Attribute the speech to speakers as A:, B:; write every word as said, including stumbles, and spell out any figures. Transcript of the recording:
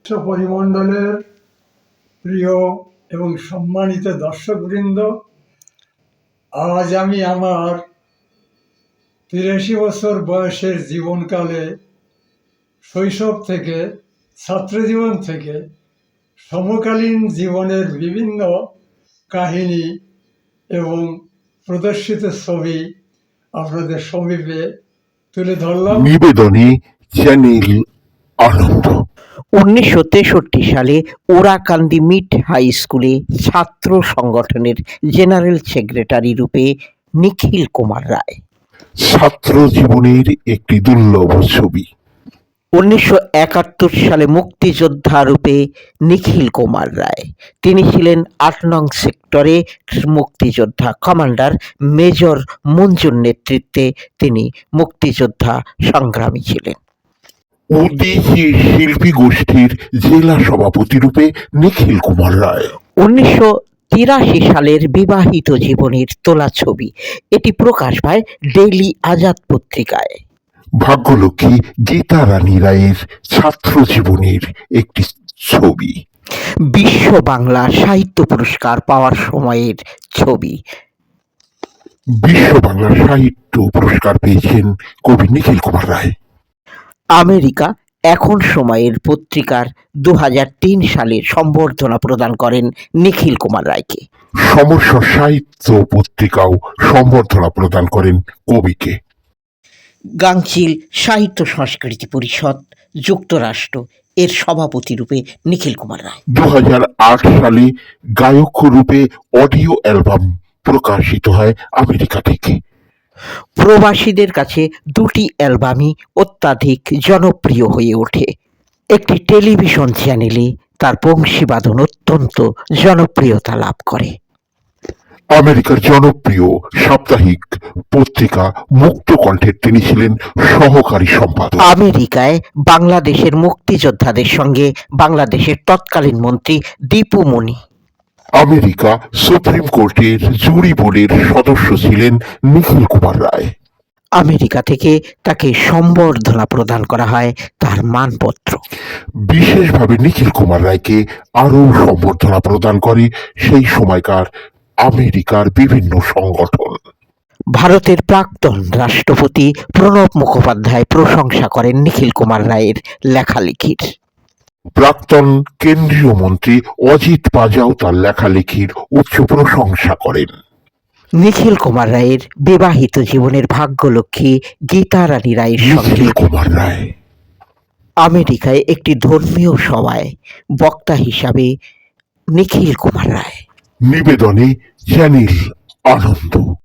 A: বিশ্ব পরিমণ্ডলের প্রিয় এবং সম্মানিত দর্শকবৃন্দ, আজ আমি আমার তিরাশি বছর বয়সের জীবনকালে শৈশব থেকে ছাত্রজীবন থেকে সমকালীন জীবনের বিভিন্ন কাহিনী এবং প্রদর্শিত ছবি আপনাদের সমীপে তুলে ধরলাম।
B: নিবেদনে চ্যানেল আনন্দ।
C: উনিশশো তেষট্টি সালে ওরাকান্দি মিড হাই স্কুলে ছাত্র সংগঠনের জেনারেল সেক্রেটারি রূপে নিখিল কুমার রায়।
B: ছাত্র জীবনের একটি দুর্লভ ছবি।
C: উনিশশো একাত্তর সালে মুক্তিযোদ্ধা রূপে নিখিল কুমার রায়। তিনি ছিলেন আট নং সেক্টরে মুক্তিযোদ্ধা। কমান্ডার মেজর মঞ্জুর নেতৃত্বে তিনি মুক্তিযোদ্ধা সংগ্রামী ছিলেন।
B: ওডিসি শিল্পী গোষ্ঠীর জেলা সভাপতি রূপে নিখিল কুমার রায়।
C: উনিশশো তিরাশি সালের বিবাহিত জীবনের তোলা ছবি। এটি প্রকাশ পায় ডেইলি আজাদ পত্রিকায়।
B: ভাগ্যলক্ষ্মী গীতা রানী রায়ের ছাত্র জীবনের একটি ছবি।
C: বিশ্ব বাংলা সাহিত্য পুরস্কার পাওয়ার সময়ের ছবি।
B: বিশ্ব বাংলা সাহিত্য পুরস্কার পেয়েছেন কবি নিখিল কুমার রায়।
C: আমেরিকা এখন সময়ের পত্রিকার দু হাজার তিন সালে সম্বর্ধনা প্রদান করেন নিখিল কুমার রায়কে।
B: সমস্য সাহিত্য পত্রিকাও সম্বর্ধনা প্রদান করেন কবিকে।
C: গাংচিল সাহিত্য সংস্কৃতি পরিষদ, যুক্তরাষ্ট্র এর সভাপতি রূপে নিখিল কুমার রায়।
B: দু হাজার আট সালে গায়ক রূপে অডিও অ্যালবাম প্রকাশিত হয় আমেরিকা থেকে।
C: প্রবাসীদের কাছে দুটি অ্যালবামই অত্যাধিক জনপ্রিয় হয়ে ওঠে। একটি টেলিভিশন চ্যানেলে তার বংশীবাদন অত্যন্ত জনপ্রিয়তা লাভ করে।
B: আমেরিকার জনপ্রিয় সাপ্তাহিক পত্রিকা মুক্ত কণ্ঠের তিনি ছিলেন সহকারী সম্পাদক।
C: আমেরিকায় বাংলাদেশের মুক্তিযোদ্ধাদের সঙ্গে বাংলাদেশের তৎকালীন মন্ত্রী দীপু মনি।
B: আমেরিকা সুপ্রিম কোর্টের জুরি বোর্ডের সদস্য ছিলেন নিখিল কুমার রায়।
C: আমেরিকা থেকে তাকে সম্বর্ধনা প্রদান করা হয় তার মানপত্র।
B: বিশেষভাবে নিখিল কুমার রায়কে আরও সম্বর্ধনা প্রদান করে সেই সময়কার আমেরিকার বিভিন্ন সংগঠন।
C: ভারতের প্রাক্তন রাষ্ট্রপতি প্রণব মুখোপাধ্যায় প্রশংসা করেন নিখিল কুমার রায়ের লেখালেখির।
B: প্রাক্তন কেন্দ্রীয় মন্ত্রী অজিত পাজাও তার লেখালেখির উচ্চ প্রশংসা করেন।
C: নিখিল কুমার রায়ের বিবাহিত জীবনের ভাগ্যলক্ষ্মী গীতা রানী রায়ের সঙ্গে
B: কুমার রায়
C: আমেরিকায় একটি ধর্মীয় সভায় বক্তা হিসাবে নিখিল কুমার রায়।
B: নিবেদনে চ্যানেল আনন্দ।